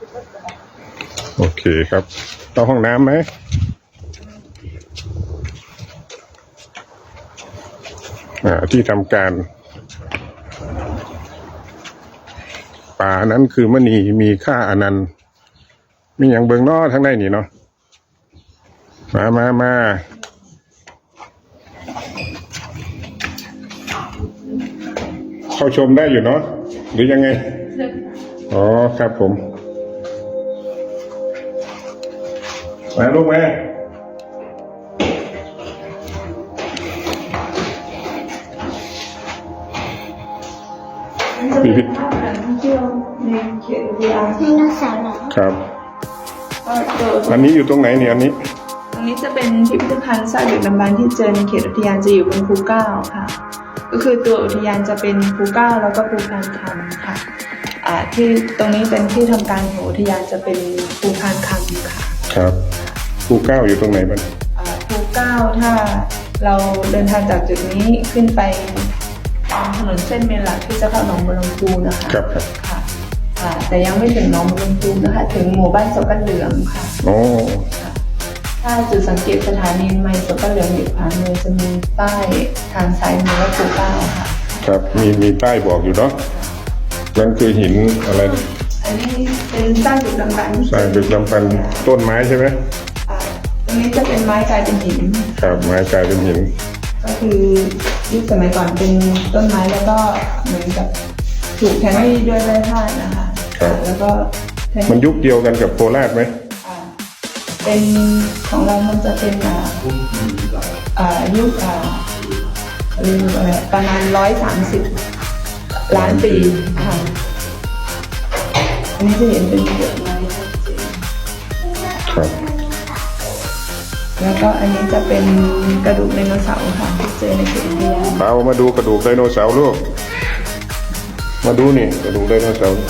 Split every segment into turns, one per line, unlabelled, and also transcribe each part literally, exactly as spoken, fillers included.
โอเคครับเข้าห้องน้ำไหมอ่าที่ทำการป่านั้นคือมณีมีค่าอนันต์มีอย่างเบิงนอทั้งในนี่เนาะมามามาเข้าชมได้อยู่เนาะหรือยังไงอ๋อครับผมมาลูกแม่พิพิธภัณฑ์ท่องเที่ยวในเขตอุทยานไดโนเสาร์ครับอันนี้อยู่ตรงไหนเนี่ยอันนี้
ตรงนี้จะเป็นพิพิธภัณฑ์ซากดึกดำบรรพ์ที่เจอในเขตอุทยานจะอยู่บนภูเก้าค่ะก็คือตัวอุทยานจะเป็นภูเก้าแล้วก็ภูพานคำค่ะอ่าที่ตรงนี้เป็นที่ทำการของอุทยานจะเป็นภูพานคำค่ะ
ครับภูเก้าอยู่ตรงไหนบ้าง
อ่าภูเก้าถ้าเราเดินทางจากจุดนี้ขึ้นไปถนนเส้นเมนหลักที่จะเข้าหนองบัวลำพูนะคะ
ครับครับ
ค่ะอ่าแต่ยังไม่ถึงหนองบัวลำพูนะคะถึงหมู่บ้านโซกันเหลืองค่ะ
โอ้
ถ้าจุดสังเกตสถานีไมล์โซกันเหลืองอยู่ขวามือจะมีป้ายทางซ้ายมือว่าภูเก้าค่ะ
ครับมีมีป้ายบอกอยู่เนาะนั่นคือหินอะไร
อันนี้เป็นสร้างดึกดำบรรพ์
สร้างดึกดำบรรพ์ต้นไม้ใช่ไหม
อ่าตรงนี้จะเป็นไม้กลายเป็นหิน
ครับไม้กลายเป็นหิน
ก็คือยุคสมัยก่อนเป็นต้นไม้แล้วก็เหมือนกับถูกแทนที่ด้วยไม้พาดนะคะแล้วก็
มันยุคเดียวกันกับโคราชไหม
เป็นของเรามันจะเป็นอ่าอ่ายุคอ่าเรียกอะไรประมาณร้อยสามสิบล้านปีค่ะอันนี้จะเห็นเป็นเปลือกไม้ชัดเจน
ครับ
แล้วก็อันนี้จะเป็นกระดูกไดโนเสาร์ค่ะที่เจอในเขตอุทยาน
เอามาดูกระดูกไดโนเสาร์ลูกมาดูนี่กระดูกไดโนเสาร์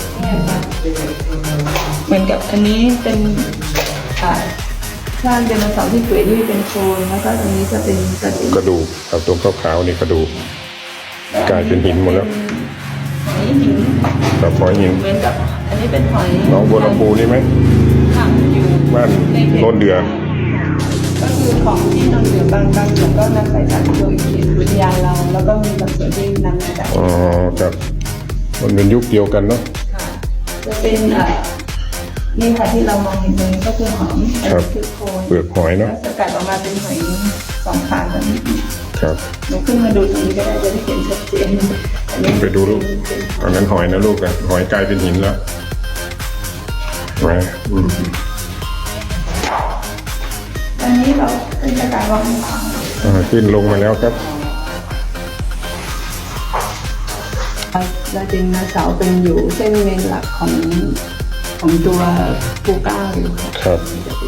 เหมือนกับอันนี้เป็นอ่าสร้างไดโนเสาร์ที่เปื่อยยุ่ยเป็นโคลนแล้วก็ตรงนี้จะเป็นกระดูก
กระดูกครับตรงขาวๆนี่กระดูกกลายเป็นหินหมดแล้ว
นี่หิน
กับหอยหิน
เหมือนกับอันนี้เป็นหอย
น้องบัวลำพูนี่ไหม
ค่ะอยู่
บ้านโนนเดือ
ก็คือของที่นนเดือบางบางส่วนก็นำไปจากตัวเขตอุทยานเราแล้วก็มีบางส่วนที่นำมาจาก
อ๋อครับมันเป็นยุคเดียวกันเนาะ
ค่ะจะเป็นอ่านี่ค่ะที่เรามองเห็นตรงนี้ก็คือหอยคือโคน
เปลือกหอยเนาะ
สกัดออกมาเป็นหอยสองขาแบบนี้
ครับ
หนูขึ้นมาดูตรงนี้ก็ได้จะได้เห็นชัดเจน
อันนี้ไปดูลูกอันนั้นหอยนะลูกอะหอยกลายเป็นหินแล้วมาอืม
อันนี้เราเป็นสกายวาง
ขึ้นลงมาแล้วครับ
เราจริงนะเสาเป็นอยู่เส้นเมนหลักของของตัวภูเก้าอยู่
ครับ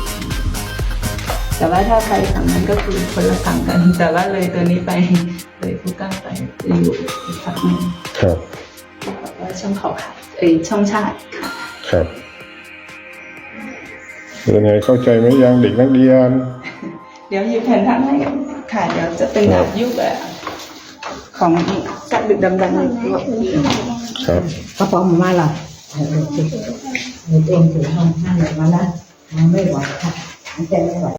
แต่ว่าถ้าไปฝั่งนั้นก็คือคนละฝั่งกันแต่ว่าเลยตัวนี้ไปเลยภูเก้าไปจะอยู่อีกฝั่งนึง
ครับ
แบบว่าช่องเขาขาดเอ้ยช่องชาติ
ครับเป็นไงเข้าใจไหมยังเด็กนักเรียน
เดี๋ยวหยิบแผ่นทั้งให้ค่ะเดี๋ยวจะเป็นแบบยุคแบบของสัตว์ดึกดำบรรพ์
ครับ
กระป๋องมาหรอเออเองถือห้องห้าเลยมาแล้วไม่ไหวค่ะใจไม่ไหว